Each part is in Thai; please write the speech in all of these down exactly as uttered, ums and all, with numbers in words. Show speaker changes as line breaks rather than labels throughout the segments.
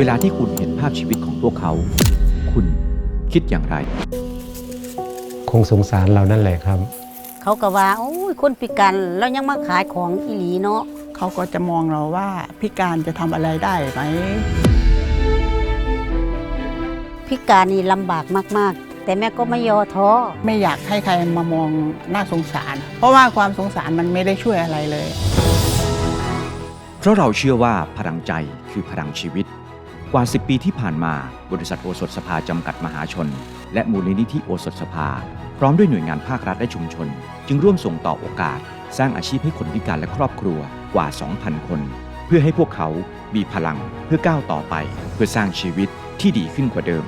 วลาที่คุณเห็นภาพชีวิตของพวกเขา คุณคิดอย่างไร
คงสงสารเรานั่นแหละครับ
เขาก็ว่าโอ้ยคนพิการแล้วยังมาขายของอีหลีเนาะ
เขาก็จะมองเราว่าพิการจะทำอะไรได้ไหม
พิการนี่ลำบากมากๆแต่แม่ก็ไม่ย่อท้อ
ไม่อยากให้ใครมามองน่าสงสารเพราะว่าความสงสารมันไม่ได้ช่วยอะไรเลย
เพราะเราเชื่อว่าพลังใจคือพลังชีวิตกว่าสิบปีที่ผ่านมาบริษัทโอสถสภาจำกัดมหาชนและมูลนิธิโอสถสภาพร้อมด้วยหน่วยงานภาครัฐและชุมชนจึงร่วมส่งต่อโอกาสสร้างอาชีพให้คนพิการและครอบครัวกว่า สองพัน คนเพื่อให้พวกเขามีพลังเพื่อก้าวต่อไปเพื่อสร้างชีวิตที่ดีขึ้นกว่าเดิม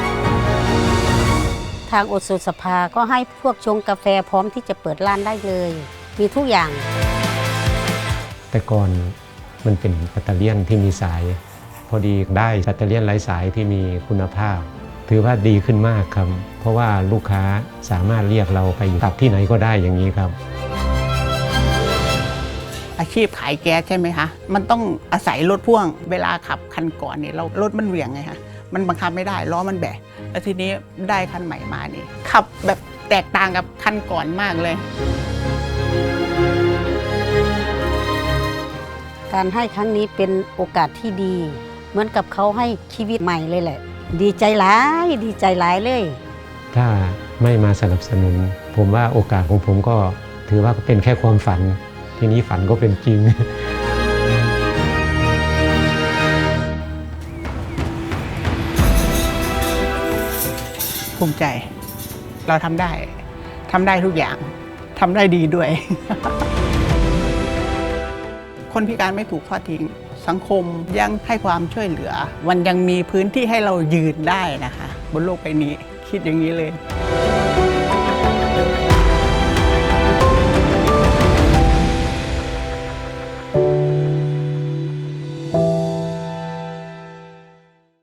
ทางโอสถสภาก็ให้พวกชงกาแฟพร้อมที่จะเปิดร้านได้เลยมีทุกอย่าง
แต่ก่อนมันเป็นแบตเตอรี่ที่มีสายพอดีได้แบตเตอรี่ไร้สายที่มีคุณภาพถือว่าดีขึ้นมากครับเพราะว่าลูกค้าสามารถเรียกเราไปอยู่ตับที่ไหนก็ได้อย่างนี้ครับ
อาชีพขายแก๊สใช่ไหมคะมันต้องอาศัยรถพ่วงเวลาขับคันก่อนเนี่ยเรารถมันเหวี่ยงไงคะมันบังคับไม่ได้ล้อมันแบะแล้วทีนี้ได้คันใหม่มานี่ขับแบบแตกต่างกับคันก่อนมากเลย
การให้ครั้งนี้เป็นโอกาสที่ดีเหมือนกับเขาให้ชีวิตใหม่เลยแหละดีใจหลายดีใจหลายเลย
ถ้าไม่มาสนับสนุนผมว่าโอกาสของผมก็ถือว่าเป็นแค่ความฝันทีนี้ฝันก็เป็นจริง
ภูมิใจเราทำได้ทำได้ทุกอย่างทำได้ดีด้วย คนพิการไม่ถูกทอดทิ้งสังคมยังให้ความช่วยเหลือมันยังมีพื้นที่ให้เรายืนได้นะคะบนโลกใบนี้คิดอย่างนี้เลย